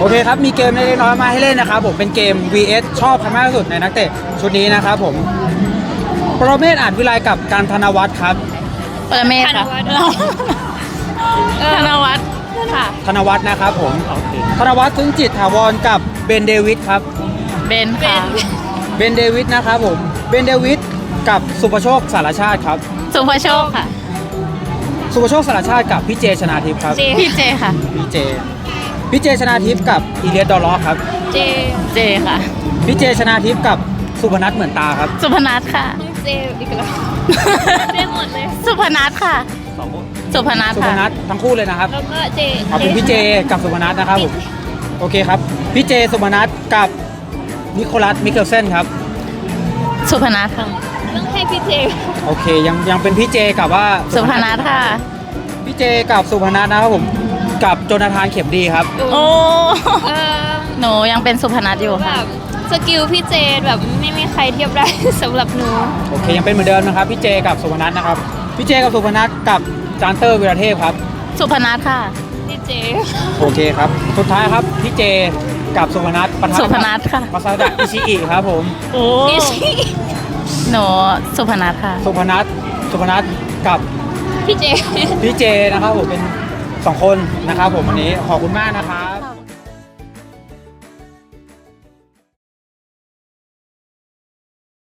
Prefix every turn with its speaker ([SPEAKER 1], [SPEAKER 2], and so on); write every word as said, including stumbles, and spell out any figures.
[SPEAKER 1] โอเคครับมีเกมเล็กๆน้อยๆมาให้เล่นนะครับผมเป็นเกม วี เอส ชอบใครมากที่สุดในนักเตะชุดนี้นะครับผมปรเมศอาจวิไลกับการธนวัฒน์ครับ
[SPEAKER 2] ปรเมศค่ะธนวัฒน์ค่ะ
[SPEAKER 1] ธนวัฒน์นะครับผมธนวัฒน์ซึ้งจิตถาวรกับเบนเดวิดครับ
[SPEAKER 2] เบนค่ะ
[SPEAKER 1] เบนเดวิดนะครับผมเบนเดวิดกับสุภโชคสารชาติครับ
[SPEAKER 2] สุภโชคค่ะ
[SPEAKER 1] สุภโชคสารชาติกับพี่เจชนาทิพย์ครับ
[SPEAKER 2] พี่เจค่ะ
[SPEAKER 1] พี่เจพี่เจชนาทิพย์กับอีเลียสดอลล็อกครับ
[SPEAKER 2] เจเจค่ะ
[SPEAKER 1] พี่เจชนาทิพย์กับสุพนัทเหมือนตาครับ
[SPEAKER 2] สุพนัทค่ะ
[SPEAKER 3] เจอีกแล้วเจหมดเลย
[SPEAKER 2] สุพนัทค่ะ สุพนัท
[SPEAKER 1] สุพ
[SPEAKER 2] ค่ะ
[SPEAKER 1] นัททั้งคู่เลยนะครับ
[SPEAKER 3] แล้วก็เจ
[SPEAKER 1] ขอบคุณพี่เจกับสุพนัทนะครับผมโอเคครับพี่เจสุพนัทกับนิโคลัสมิเคลเซนครับ
[SPEAKER 2] สุพนัทค่ะ
[SPEAKER 3] ต้องให้พี่เจ
[SPEAKER 1] โอเคยังยังเป็นพี่เจกับว่า
[SPEAKER 2] สุพนัทค่ะ
[SPEAKER 1] พี่เจกับสุพนัทนะครับผมกับโจนาธานเข็มดีครับ
[SPEAKER 2] โอ้
[SPEAKER 3] เออ
[SPEAKER 2] หนูยังเป็นสุพนัทอยู่
[SPEAKER 3] แบ
[SPEAKER 2] ค่ะ
[SPEAKER 3] บสกิลพี่เจแบบไม่มีใครเทียบได้ สำหรับหนู
[SPEAKER 1] โอเคยังเป็นเหมือนเดิมนะครับพี่เจกับสุพนัทนะครับพี่เจกับสุพนัทกับจานเตอร์วีรเทพครับ
[SPEAKER 2] สุพนัทค่ะ
[SPEAKER 3] พี่เจ
[SPEAKER 1] โอเคครับสุดท้ายครับพี่เจกับสุพนัทปะทะ
[SPEAKER 2] สุพนัทค่ะ
[SPEAKER 1] มาซาดะอิชิอิครับผม
[SPEAKER 2] โอ้
[SPEAKER 3] พี่ชิ
[SPEAKER 2] หนูสุพนัทค่ะ
[SPEAKER 1] สุพนัทสุพนัทกับ
[SPEAKER 3] พี่เจ
[SPEAKER 1] พี่เจนะครับผมเป็นสองคนนะครับผมวันนี้ขอบคุณมากนะครับ